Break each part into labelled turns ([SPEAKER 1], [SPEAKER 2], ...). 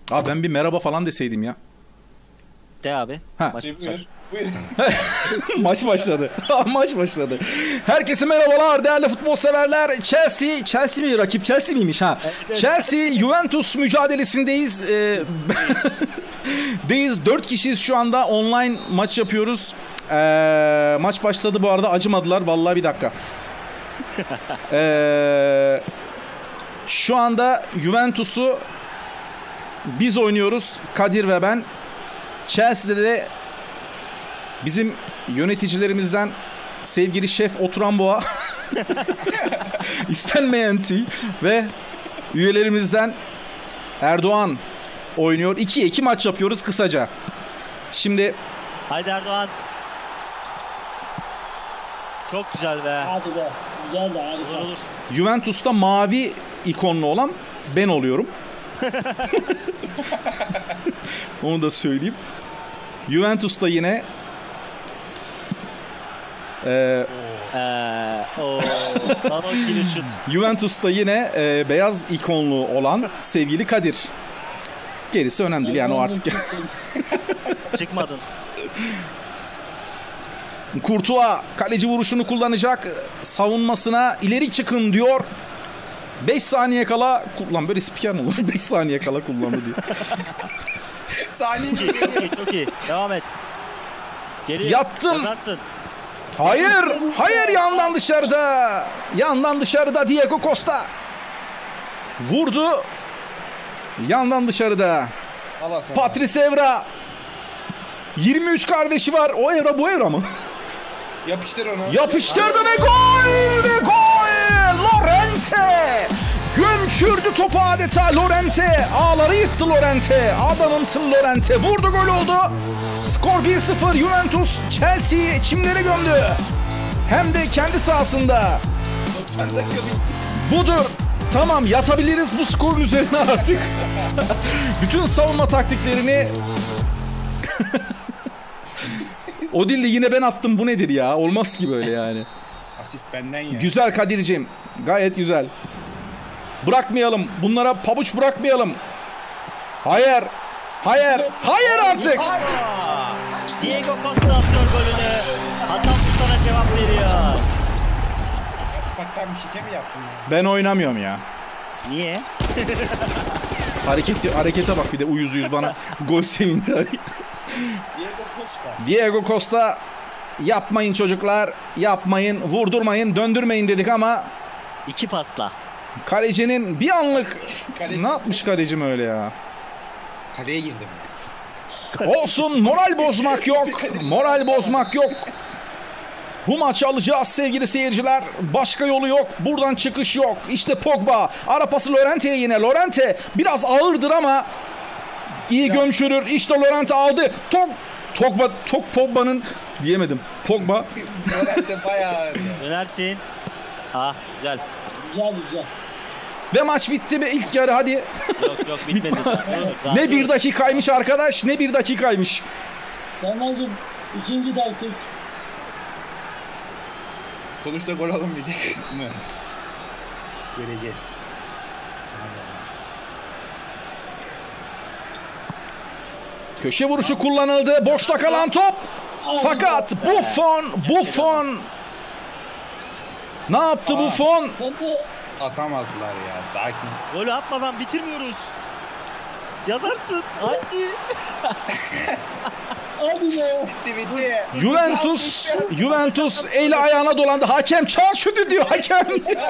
[SPEAKER 1] Abi ben bir merhaba falan deseydim ya.
[SPEAKER 2] De abi.
[SPEAKER 1] Ha.
[SPEAKER 2] Maç
[SPEAKER 3] Buyur. Buyur.
[SPEAKER 1] Maç başladı. Maç başladı. Herkese merhabalar değerli futbol severler. Chelsea mi rakip? Chelsea miymiş ha?
[SPEAKER 2] Evet.
[SPEAKER 1] Chelsea Juventus mücadelesindeyiz. Deyiz 4 kişiyiz şu anda. Online maç yapıyoruz. Maç başladı bu arada, acımadılar. Vallahi bir dakika. Şu anda Juventus'u biz oynuyoruz. Kadir ve ben. Chelsea'de de bizim yöneticilerimizden sevgili şef Oturan Boğa, istenmeyen tüy ve üyelerimizden Erdoğan oynuyor. 2'ye 2 maç yapıyoruz kısaca. Şimdi
[SPEAKER 2] Haydi Erdoğan. Çok güzel be.
[SPEAKER 4] Hadi be. Güzel de harika.
[SPEAKER 2] Olur olur.
[SPEAKER 1] Juventus'ta mavi ikonlu olan ben oluyorum. Onu da söyleyeyim. Juventus'ta yine
[SPEAKER 2] Balon gibi şut.
[SPEAKER 1] Juventus'ta yine beyaz ikonlu olan sevgili Kadir. Gerisi önemli değil yani, o artık.
[SPEAKER 2] Çıkmadın.
[SPEAKER 1] Courtois kaleci vuruşunu kullanacak. Savunmasına ileri çıkın diyor. 5 saniye kala kullan, böyle spiker mi olur? 5 saniye kala kullandı diyor.
[SPEAKER 3] Saniye
[SPEAKER 2] Çok iyi, çok iyi. Devam et. Geliyor.
[SPEAKER 1] Yattım.
[SPEAKER 2] Yazarsın.
[SPEAKER 1] Hayır, hayır, yandan dışarıda. Yandan dışarıda Diego Costa. Vurdu. Yandan dışarıda.
[SPEAKER 3] Allah sana.
[SPEAKER 1] Patrice Evra. 23 kardeşi var. O Evra bu Evra mı?
[SPEAKER 3] Yapıştır onu.
[SPEAKER 1] Yapıştırdı ve gol! Ve gol! Llorente! Gömçürdü topu adeta Llorente. Ağları yıktı Llorente. Adamımsın Llorente. Vurdu, gol oldu. Skor 1-0. Juventus Chelsea'yi çimlere gömdü. Hem de kendi sahasında.
[SPEAKER 3] 90 dakika bitti.
[SPEAKER 1] Budur. Tamam, yatabiliriz bu skorun üzerine artık. Bütün savunma taktiklerini... O dilde yine ben attım, bu nedir ya? Olmaz ki böyle yani.
[SPEAKER 3] Asist benden ya.
[SPEAKER 1] Güzel Kadir'cim. Gayet güzel. Bırakmayalım. Bunlara pabuç bırakmayalım. Hayır. Hayır. Hayır artık.
[SPEAKER 2] Diego Costa atıyor golünü. Hasan Mustafa'na cevap veriyor.
[SPEAKER 3] Ufaktan bir şike mi yaptın ya?
[SPEAKER 1] Ben oynamıyorum ya.
[SPEAKER 2] Niye?
[SPEAKER 1] Harekete bak bir de, uyuz bana gol sevinci.
[SPEAKER 3] Diego Costa.
[SPEAKER 1] Diego Costa, yapmayın çocuklar. Yapmayın. Vurdurmayın. Döndürmeyin dedik ama
[SPEAKER 2] İki pasla.
[SPEAKER 1] kalecinin bir anlık
[SPEAKER 3] Kaleci-
[SPEAKER 1] ne yapmış kalecim öyle ya?
[SPEAKER 3] Kaleye girdim.
[SPEAKER 1] Olsun, moral bozmak yok. Moral bozmak yok. Bu maçı alacağız sevgili seyirciler. Başka yolu yok. Buradan çıkış yok. İşte Pogba. Ara pası Llorente'ye yine. Llorente biraz ağırdır ama iyi gömçürür. İşte Llorente aldı. Pogba'nın diyemedim. Pogba.
[SPEAKER 3] Moral'de bayağı.
[SPEAKER 2] Dönersin. Ah güzel.
[SPEAKER 4] Güzel güzel.
[SPEAKER 1] Ve maç bitti mi? İlk yarı hadi.
[SPEAKER 2] Yok bitmedi. Dur,
[SPEAKER 1] Ne bir dakikaymış arkadaş. Ne bir dakikaymış.
[SPEAKER 4] Selmancığım ikinci taktik.
[SPEAKER 3] Sonuçta gol olmayacak mı? Göreceğiz.
[SPEAKER 1] Köşe vuruşu kullanıldı. Boşta kalan top. Fakat Buffon ne yaptı Buffon?
[SPEAKER 4] Sen de
[SPEAKER 3] Atamazlar ya, sakin.
[SPEAKER 2] Golü atmadan bitirmiyoruz. Yazarsın. Hadi.
[SPEAKER 4] hadi be.
[SPEAKER 3] Bitti.
[SPEAKER 1] Juventus eli ayağına dolandı. Hakem çal şutu diyor hakem.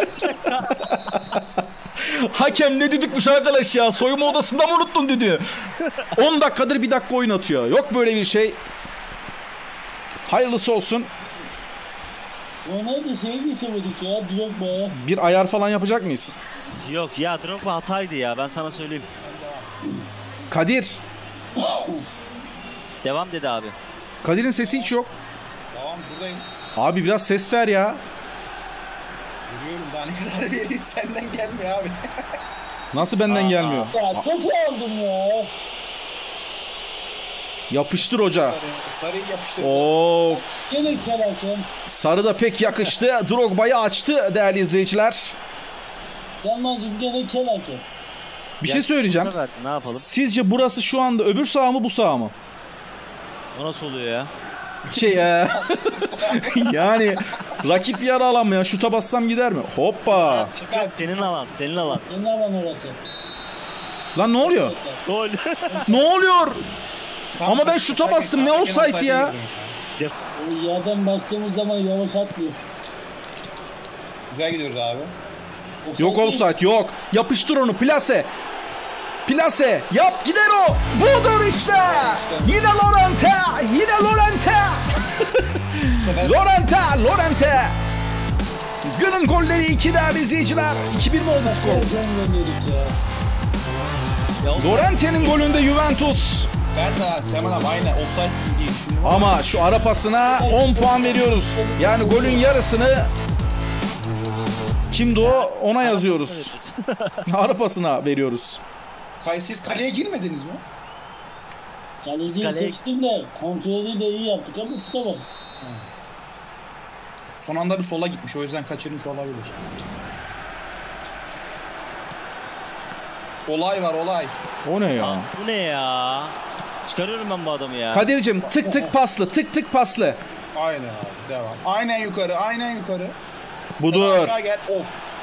[SPEAKER 1] Hakem ne düdükmüş arkadaş ya. Soyunma odasında mı unuttun düdüğü? 10 dakikadır bir dakika oynatıyor. Yok böyle bir şey. Hayırlısı olsun.
[SPEAKER 4] Ronaldo şeyi sevedik ya. Drogba.
[SPEAKER 1] Bir ayar falan yapacak mıyız?
[SPEAKER 2] Yok ya, Drogba hataydı ya, ben sana söyleyeyim.
[SPEAKER 1] Kadir.
[SPEAKER 2] Devam dedi abi.
[SPEAKER 1] Kadir'in sesi hiç yok.
[SPEAKER 3] Tamam, buradayım.
[SPEAKER 1] Abi biraz ses ver ya.
[SPEAKER 3] Görüyorum, daha ne kadar vereyim, senden gelmiyor abi.
[SPEAKER 1] Nasıl benden gelmiyor?
[SPEAKER 4] Ya topu aldım ya.
[SPEAKER 1] Yapıştır hoca.
[SPEAKER 3] Sarıyı yapıştır.
[SPEAKER 1] Of.
[SPEAKER 4] Gene kel hakem.
[SPEAKER 1] Sarı da pek yakıştı. Drogba'yı açtı değerli izleyiciler.
[SPEAKER 4] Selmancığım gene kel hakem.
[SPEAKER 1] Bir şey söyleyeceğim.
[SPEAKER 2] Verdi, ne yapalım?
[SPEAKER 1] Sizce burası şu anda öbür saha mı bu saha mı?
[SPEAKER 2] O nasıl oluyor ya?
[SPEAKER 1] Yani rakip yarı alan mı ya? Şuta bassam gider mi? Hoppa.
[SPEAKER 2] Senin alan, senin alan.
[SPEAKER 4] Senin alan orası.
[SPEAKER 1] Lan ne oluyor?
[SPEAKER 2] Gol.
[SPEAKER 1] Ne oluyor? Ama ben şuta bastım, ne offside ya?
[SPEAKER 4] O yerden bastığımız zaman yavaş atmıyor.
[SPEAKER 3] Güzel gidiyoruz abi.
[SPEAKER 1] Yok offside yok. Yapıştır onu, plase. Plase yap, gider o. Budur işte. Yine Lorente. Yine Lorente. Lorente. Günün golleri 2 değerli izleyiciler. 2-1 mi oldu skor? Lorente'nin golünde Juventus.
[SPEAKER 3] Ben de Seman abi aynen offside diye düşündüm.
[SPEAKER 1] Ama şu ara pasına 10 puan veriyoruz. Yani golün yarısını kimdi o? Ona yazıyoruz. Ara pasına veriyoruz.
[SPEAKER 3] Siz kaleye girmediniz mi?
[SPEAKER 4] Kaleciyi
[SPEAKER 2] Kaleye-
[SPEAKER 4] seçtim de kontrolü de iyi yaptık ama tutamadım.
[SPEAKER 3] Son anda bir sola gitmiş, o yüzden kaçırmış olabilir. Olay var, olay.
[SPEAKER 1] O ne ya?
[SPEAKER 2] Bu ne ya? Çıkarıyorum ben bu adamı ya.
[SPEAKER 1] Kadir'cim tık tık paslı, tık tık paslı.
[SPEAKER 3] Aynen abi, devam. Aynen yukarı, aynen yukarı.
[SPEAKER 1] Budur.
[SPEAKER 3] Aşağı gel, of.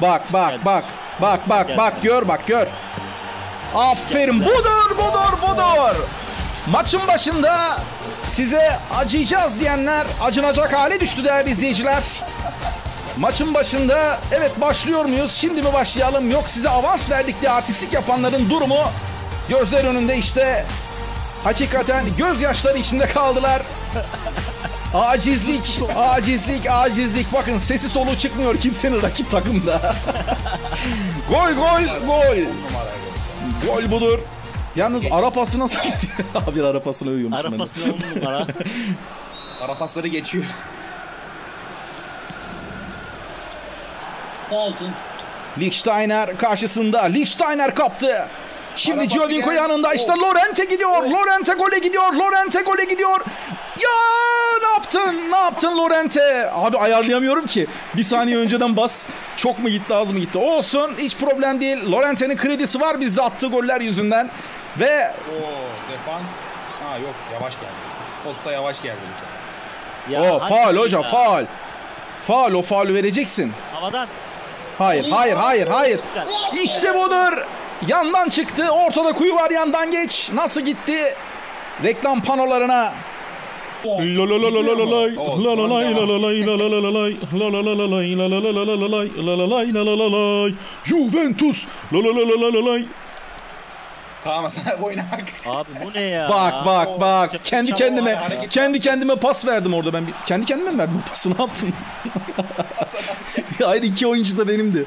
[SPEAKER 1] Bak gör. Aferin, budur. Maçın başında size acıyacağız diyenler acınacak hale düştü değerli izleyiciler. Maçın başında evet başlıyor muyuz? Şimdi mi başlayalım? Yok size avans verdik diye artistlik yapanların durumu gözler önünde işte. Hakikaten gözyaşları içinde kaldılar. Acizlik. Bakın sesi soluğu çıkmıyor kimsenin rakip takımda. Gol. Gol budur. Yalnız ara pası nasıl gitti? Abi ara pasını övüyormuş.
[SPEAKER 2] Arapasına 10 numara.
[SPEAKER 3] Arapasları geçiyor.
[SPEAKER 4] Sakin.
[SPEAKER 1] Lichtsteiner karşısında. Lichtsteiner kaptı. Şimdi
[SPEAKER 3] Arabası
[SPEAKER 1] Giovinco
[SPEAKER 3] geldi.
[SPEAKER 1] yanında. İşte Lorente gidiyor. Lorente gole gidiyor. Ya ne yaptın Lorente? Abi ayarlayamıyorum ki. Bir saniye önceden bas. Çok mu gitti az mı gitti? Olsun hiç problem değil. Lorente'nin kredisi var bizde attığı goller yüzünden. Ve
[SPEAKER 3] Oo, defans. Ha yok, yavaş geldi. Posta yavaş geldi bu sefer.
[SPEAKER 2] Ya,
[SPEAKER 1] o
[SPEAKER 2] hadi
[SPEAKER 1] faul
[SPEAKER 2] ya.
[SPEAKER 1] hoca faul. Faul, o faulü vereceksin.
[SPEAKER 2] Havadan.
[SPEAKER 1] Hayır. İşte budur. Yandan çıktı. Ortada kuyu var, yandan geç. Nasıl gitti? Reklam panolarına. Juventus.
[SPEAKER 3] Tamam sana oynamak.
[SPEAKER 2] Abi bu ne ya?
[SPEAKER 1] Bak.
[SPEAKER 3] Hareket.
[SPEAKER 1] Kendi kendime pas verdim orada ben. Kendi kendime mi verdim o pası? Ne yaptım? Hayır, 2 oyuncu da benimdi.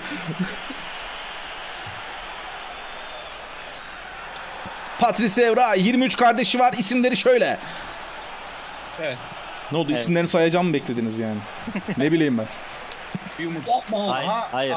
[SPEAKER 1] Patrice Evra, 23 kardeşi var. İsimleri şöyle.
[SPEAKER 3] Evet.
[SPEAKER 1] Ne oldu? İsimlerini sayacağım mı beklediniz yani? Ne bileyim ben.
[SPEAKER 3] Bir umut.
[SPEAKER 4] Yapma.
[SPEAKER 2] Hayır.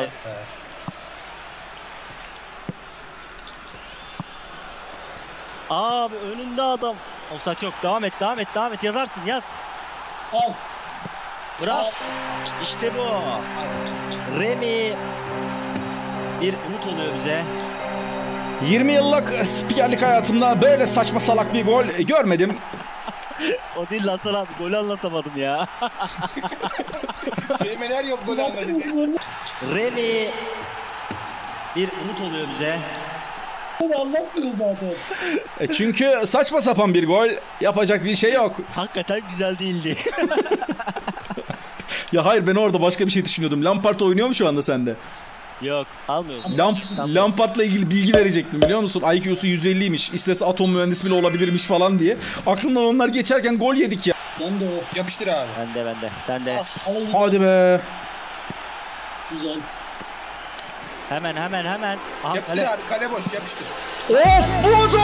[SPEAKER 2] Abi önünde adam. Offside yok. Devam et. Yazarsın yaz.
[SPEAKER 4] Al.
[SPEAKER 2] Bravo. İşte bu. Remy bir umut oluyor bize.
[SPEAKER 1] 20 yıllık spikerlik hayatımda böyle saçma salak bir gol görmedim.
[SPEAKER 2] O değil lan sana abi. Golü anlatamadım ya.
[SPEAKER 3] Kelimeler yok gol anlayacak.
[SPEAKER 2] Remy bir umut oluyor bize.
[SPEAKER 4] Anlatmıyor zaten.
[SPEAKER 1] Çünkü saçma sapan bir gol, yapacak bir şey yok.
[SPEAKER 2] Hakikaten güzel değildi.
[SPEAKER 1] Ya hayır, ben orada başka bir şey düşünüyordum. Lampard oynuyor mu şu anda sende?
[SPEAKER 2] Yok almıyorsun.
[SPEAKER 1] Lampard'la ilgili bilgi verecektim biliyor musun? IQ'su 150'ymiş. İstese atom mühendisi bile olabilirmiş falan diye. Aklımdan onlar geçerken gol yedik ya.
[SPEAKER 4] Ben de o.
[SPEAKER 3] Yapıştır abi.
[SPEAKER 2] Bende. Sen de.
[SPEAKER 4] Alayım.
[SPEAKER 1] Hadi be.
[SPEAKER 4] Güzel.
[SPEAKER 2] Hemen. Aha,
[SPEAKER 3] Yapıştır
[SPEAKER 2] kale.
[SPEAKER 3] abi, kale boş, yapıştır.
[SPEAKER 1] Of,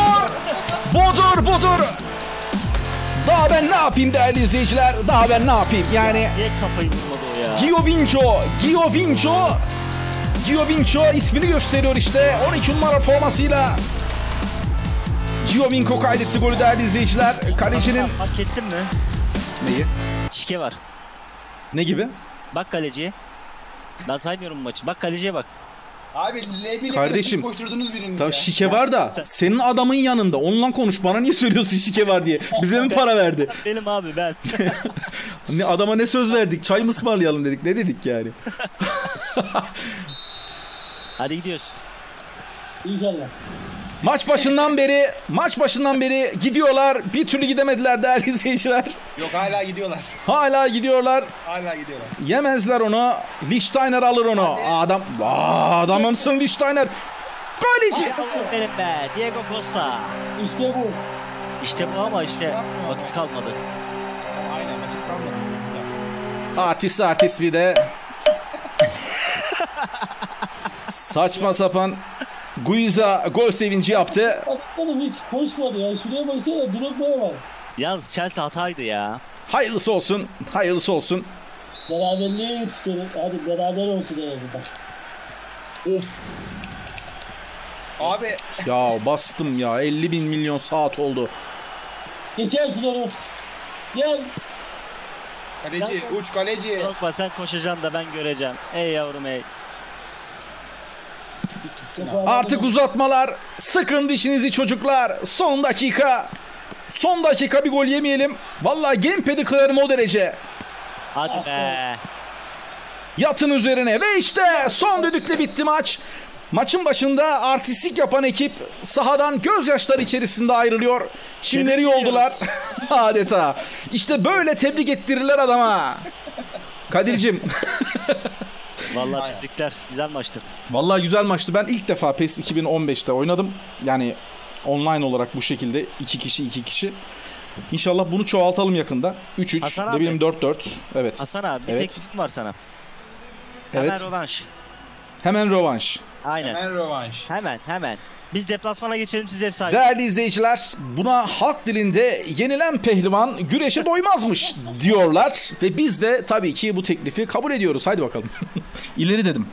[SPEAKER 1] budur. Daha ben ne yapayım değerli izleyiciler? Daha ben ne yapayım? Yani
[SPEAKER 2] Niye kafayı vurmadı o ya?
[SPEAKER 1] Giovinco ismini gösteriyor işte. 12 numara formasıyla. Giovinco kaydetti golü değerli izleyiciler. Kalecinin...
[SPEAKER 2] Fark ettin mi?
[SPEAKER 1] Neyi?
[SPEAKER 2] Şike var.
[SPEAKER 1] Ne gibi?
[SPEAKER 2] Bak kaleciye. Ben saymıyorum bu maçı. Bak kaleciye bak.
[SPEAKER 3] Abi L1'le
[SPEAKER 1] Kardeşim,
[SPEAKER 3] koşturdunuz biriniz
[SPEAKER 1] Tabii
[SPEAKER 3] ya.
[SPEAKER 1] şike var da senin adamın yanında. Onunla konuş. Bana niye söylüyorsun şike var diye? Bize mi para verdi?
[SPEAKER 2] Benim abi ben.
[SPEAKER 1] Ne adama ne söz verdik? Çay mı ısmarlayalım dedik. Ne dedik yani?
[SPEAKER 2] Hadi gidiyoruz.
[SPEAKER 4] İnşallah.
[SPEAKER 1] Maç başından beri gidiyorlar. Bir türlü gidemediler değerli izleyiciler.
[SPEAKER 3] Yok hala gidiyorlar.
[SPEAKER 1] Hala gidiyorlar.
[SPEAKER 3] Hala gidiyorlar.
[SPEAKER 1] Yemezler onu. Lichtsteiner alır onu. Adamımsın Lichtsteiner. Kaleci.
[SPEAKER 2] Benim be. Diego Costa.
[SPEAKER 4] İşte bu.
[SPEAKER 2] İşte bu ama işte vakit kalmadı.
[SPEAKER 3] Aynen vakit kalmadı. Güzel.
[SPEAKER 1] Artist bir de. Saçma sapan Guiza gol sevinci yaptı.
[SPEAKER 4] Bakalım hiç koşmadı ya. Şuraya baksana, Drogba'ya bak.
[SPEAKER 2] Yalnız Chelsea hataydı ya.
[SPEAKER 1] Hayırlısı olsun. Hayırlısı olsun.
[SPEAKER 4] Beraberliğe yetiştirelim. Hadi beraber olsun en azından.
[SPEAKER 3] Of. Abi
[SPEAKER 1] Ya bastım ya. 50 bin milyon saat oldu.
[SPEAKER 4] Geçersin onu. Gel.
[SPEAKER 3] kaleci uç kaleci.
[SPEAKER 2] Korkma sen koşacaksın da ben göreceğim. Ey yavrum ey.
[SPEAKER 1] Artık uzatmalar. Sıkın dişinizi çocuklar. Son dakika. Son dakika bir gol yemeyelim. Vallahi gamepad'i kırarım o derece.
[SPEAKER 2] Hadi be.
[SPEAKER 1] Yatın üzerine ve işte son düdükle bitti maç. Maçın başında artistlik yapan ekip sahadan gözyaşları içerisinde ayrılıyor. Çimleri
[SPEAKER 2] Tebrik
[SPEAKER 1] yoldular.
[SPEAKER 2] ediyoruz.
[SPEAKER 1] Adeta. İşte böyle tebrik ettirirler adama. Kadir'cim.
[SPEAKER 2] Vallahi tebrikler. Güzel maçtı.
[SPEAKER 1] Vallahi güzel maçtı. Ben ilk defa PES 2015'te oynadım. Yani online olarak bu şekilde 2 kişi. İnşallah bunu çoğaltalım yakında. 3-3,
[SPEAKER 2] Hasan
[SPEAKER 1] ne
[SPEAKER 2] abi.
[SPEAKER 1] bileyim 4-4. Evet.
[SPEAKER 2] Hasan abi bir
[SPEAKER 1] Evet.
[SPEAKER 2] teklifim var sana.
[SPEAKER 1] Evet.
[SPEAKER 2] Hemen rövanş.
[SPEAKER 1] Hemen rövanş.
[SPEAKER 2] Aynen.
[SPEAKER 3] Hemen rövanş.
[SPEAKER 2] Hemen. Biz deplasmana geçelim, siz ev sahibi.
[SPEAKER 1] Değerli izleyiciler, buna halk dilinde yenilen pehlivan güreşe doymazmış diyorlar. Ve biz de tabii ki bu teklifi kabul ediyoruz. Haydi bakalım. İleri dedim.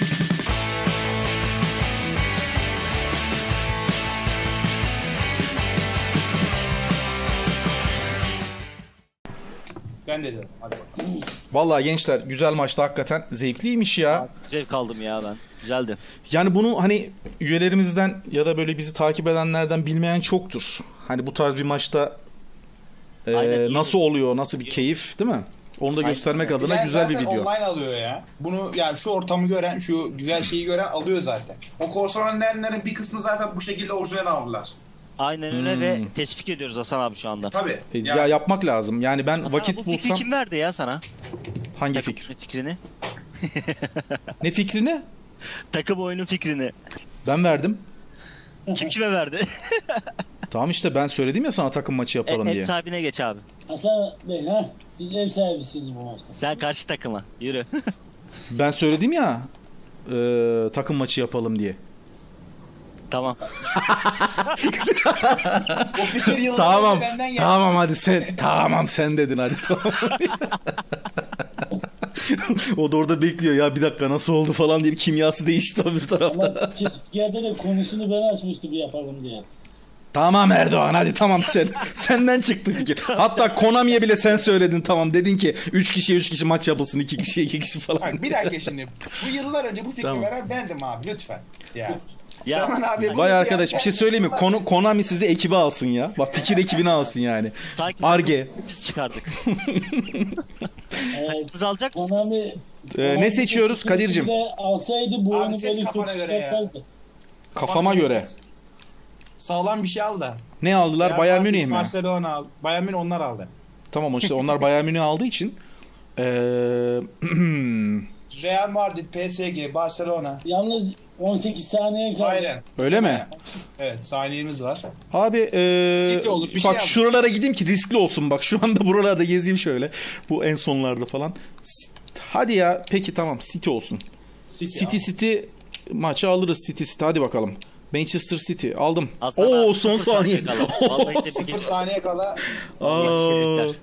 [SPEAKER 3] Ben de dedim. Hadi bakalım.
[SPEAKER 1] Vallahi gençler güzel maçtı hakikaten. Zevkliymiş ya.
[SPEAKER 2] Zevk aldım ya ben. Güzeldi.
[SPEAKER 1] Yani bunu hani üyelerimizden ya da böyle bizi takip edenlerden bilmeyen çoktur. Hani bu tarz bir maçta
[SPEAKER 2] Aynen.
[SPEAKER 1] nasıl oluyor, nasıl bir keyif değil mi? Onu da göstermek adına
[SPEAKER 3] Yani
[SPEAKER 1] güzel bir
[SPEAKER 3] zaten
[SPEAKER 1] video.
[SPEAKER 3] online alıyor ya. Bunu yani şu ortamı gören, şu güzel şeyi gören alıyor zaten. O korsan önleyenlerin bir kısmı zaten bu şekilde orijinal aldılar.
[SPEAKER 2] Aynen öyle ve teşvik ediyoruz Hasan abi şu anda.
[SPEAKER 3] Tabii.
[SPEAKER 1] Ya yapmak lazım. Yani ben
[SPEAKER 2] Hasan abi,
[SPEAKER 1] vakit
[SPEAKER 2] bu fikri
[SPEAKER 1] bulsam
[SPEAKER 2] kim verdi ya sana?
[SPEAKER 1] hangi
[SPEAKER 2] Takım
[SPEAKER 1] fikir?
[SPEAKER 2] fikrini.
[SPEAKER 1] Ne fikrini?
[SPEAKER 2] Takım oyunu fikrini.
[SPEAKER 1] Ben verdim.
[SPEAKER 2] Kim kime verdi?
[SPEAKER 1] Tamam işte ben söyledim ya sana takım maçı yapalım
[SPEAKER 2] Ev
[SPEAKER 1] diye.
[SPEAKER 2] sahibine geç abi.
[SPEAKER 4] Hasan Bey, siz ev sahibisiniz bu maçta.
[SPEAKER 2] Sen karşı takıma. Yürü.
[SPEAKER 1] Ben söyledim ya takım maçı yapalım diye.
[SPEAKER 2] Tamam.
[SPEAKER 3] O fikir yıllar
[SPEAKER 1] Tamam.
[SPEAKER 3] önce benden geldi.
[SPEAKER 1] Tamam hadi sen. Tamam sen dedin hadi. Tamam. O da orada bekliyor ya bir dakika nasıl oldu falan diye bir kimyası değişti öbür tarafta.
[SPEAKER 4] Ama Kespiker'de de konusunu ben açmıştım yapalım diye.
[SPEAKER 1] Tamam Erdoğan hadi tamam sen. Senden çıktı fikir. Hatta Konami'ye bile sen söyledin tamam. Dedin ki 3 kişi maç yapılsın 2 kişiye 2 kişi falan.
[SPEAKER 3] Bak bir dakika şimdi. Bu yıllar önce bu fikri
[SPEAKER 1] Tamam.
[SPEAKER 3] veren bendim abi lütfen. Ya.
[SPEAKER 2] Ya
[SPEAKER 3] Zaman abi. bunu
[SPEAKER 1] Vay
[SPEAKER 3] bir
[SPEAKER 1] arkadaş bir şey söyleyeyim mi? Konami sizi ekibe alsın ya. Bak fikir ekibine alsın yani.
[SPEAKER 2] sanki
[SPEAKER 1] Arge.
[SPEAKER 2] biz çıkardık.
[SPEAKER 4] Evet.
[SPEAKER 2] Biz alacak mısınız?
[SPEAKER 4] Konami,
[SPEAKER 1] Ne seçiyoruz Kadir'cim?
[SPEAKER 4] Bir de alsaydı bu
[SPEAKER 3] Abi
[SPEAKER 4] oyunu
[SPEAKER 3] seç
[SPEAKER 4] böyle
[SPEAKER 3] kafana
[SPEAKER 4] kötü
[SPEAKER 3] göre ya.
[SPEAKER 4] çıkartmazdı.
[SPEAKER 1] Kafama göre.
[SPEAKER 3] Sağlam bir şey al da.
[SPEAKER 1] Ne aldılar?
[SPEAKER 3] Real
[SPEAKER 1] Bayern
[SPEAKER 3] Madrid,
[SPEAKER 1] Münih mi?
[SPEAKER 3] Barcelona al. Bayern Münih onlar aldı.
[SPEAKER 1] Tamam işte onlar Bayern Münih aldığı için.
[SPEAKER 3] Real Madrid, PSG, Barcelona.
[SPEAKER 4] Yalnız 18 saniye kaldı.
[SPEAKER 3] Aynen.
[SPEAKER 1] Öyle mi?
[SPEAKER 3] Evet saniyemiz var.
[SPEAKER 1] Abi
[SPEAKER 3] City olur, bir
[SPEAKER 1] bak
[SPEAKER 3] şey yap.
[SPEAKER 1] şuralara gideyim ki riskli olsun bak şu anda buralarda gezeyim şöyle bu en sonlarda falan. Hadi ya peki tamam City olsun. City maçı alırız City hadi bakalım. Manchester City aldım.
[SPEAKER 2] Hasan
[SPEAKER 1] Oo
[SPEAKER 2] abi,
[SPEAKER 1] son
[SPEAKER 2] 0
[SPEAKER 1] saniye.
[SPEAKER 2] kala. Vallahi tebrik
[SPEAKER 3] 0
[SPEAKER 2] ediyorum.
[SPEAKER 3] saniye kala.
[SPEAKER 1] Aa,
[SPEAKER 2] Tebrikler.